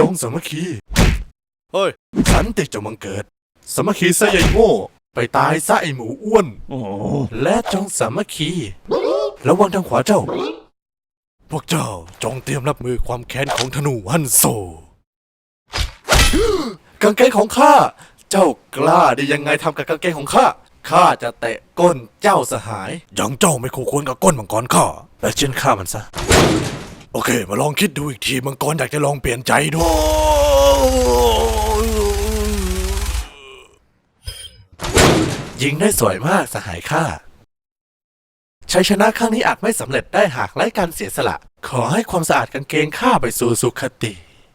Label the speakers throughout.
Speaker 1: งสามัคคี
Speaker 2: เฮ้ย
Speaker 1: สันติจงบังเกิดสามัคคีซะไอ้โง่ไปตายซะไอ้หมูอ้วน
Speaker 2: โอ้
Speaker 1: และจงสามัคคีระวังทางขวาเจ้า พวกเจ้าจงเตรียมรับมือความแค้นของธนูฮันโซ กางเกงของข้าเจ้ากล้าได้ยังไงทำกับกางเกงของข้าข้าจะเตะก้นเจ้าสหายยังเจ้าไม่คู่ควรกับก้นมังกรข้าและเช่นข้ามันซะโอเคมาลองคิดดูอีกทีมังกรอยากจะลองเปลี่ยนใจดูยิงได้สวยมากสหายข้าชัยชนะครั้งนี้อาจไม่สำเร็จได้หากไร้การเสียสละขอให้ความสะอาดกางเกงข้าไปสู่สุขติ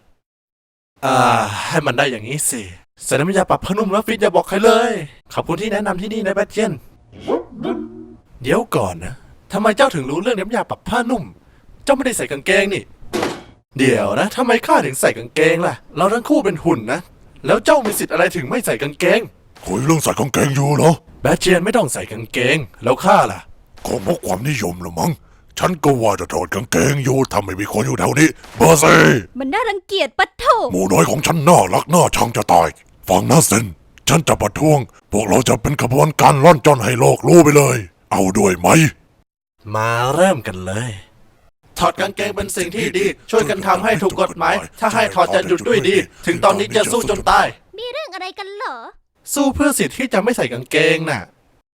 Speaker 1: ให้มันได้อย่างนี้สิใส่น้ำยาปรับผ้านุ่มแล้วฟิตอย่าบอกใครเลยขอบคุณที่แนะนำที่นี่นะแบทเจนเดี๋ยวก่อนนะทำไมเจ้าถึงรู้เรื่องน้ำยาปรับผ้านุ่มเจ้าไม่ได้ใส่กางเกงนี่เดี๋ยวนะทำไมข้าถึงใส่กางเกงล่ะเราทั้งคู่เป็นหุ่นนะแล้วเจ้ามีสิทธิ์อะไรถึงไม่ใส่กางเกง
Speaker 3: คุยเรื่องใส่กางเกงอยู่เหรอ
Speaker 1: แบทเจนไม่ต้องใส่กางเกงแล้วข้าล่ะ
Speaker 3: ก็เพราะความนิยมละมั้งฉันก็ว่าจะถอดกางเกงอยู่ถ้าไม่มีคนอยู่แถวนี้เบอร์ซี่
Speaker 4: มันน่ารังเกียจปะโถ
Speaker 3: หมูน้อยของฉันน่ารักน่าชังจะตายฟังนะเซนฉันจะประท้วงพวกเราจะเป็นขบวนการล่อนจอนให้โลกรู้ไปเลยเอาด้วยไหม
Speaker 1: มาเริ่มกันเลยถอดกางเกงเป็นสิ่งที่ดีช่วยกันทำให้ถูกกฎหมายถ้าให้ถอดจะหยุดด้วยดีถึงตอนนี้จะสู้จนตาย
Speaker 4: มีเรื่องอะไรกันเหรอ
Speaker 1: สู้เพื่อสิทธิ์ที่จะไม่ใส่กางเกงน่ะ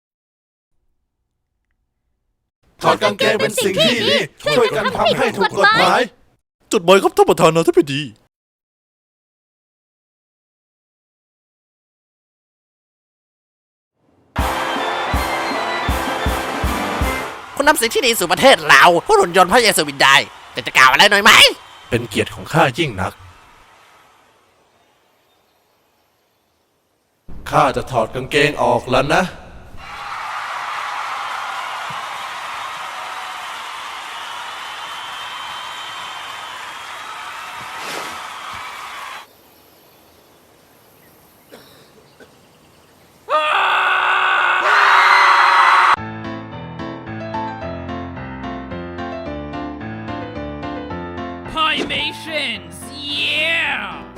Speaker 1: ถอดกางเกงเป็นสิ่งที่ดีช่วยกันทำให้ถูกกฎหมาย
Speaker 2: จดหมายครับท่านประธานาธิบดี
Speaker 5: คุณนำสิ่งที่ดีสู่ประเทศเราผู้หุ่นยนต์พระเยซูวินได้แต่จะกล่าวอะไรหน่อยไหม
Speaker 1: เป็นเกียรติของข้ายิ่งนักข้าจะถอดกางเกงออกแล้วนะ
Speaker 6: Pymations, yeah!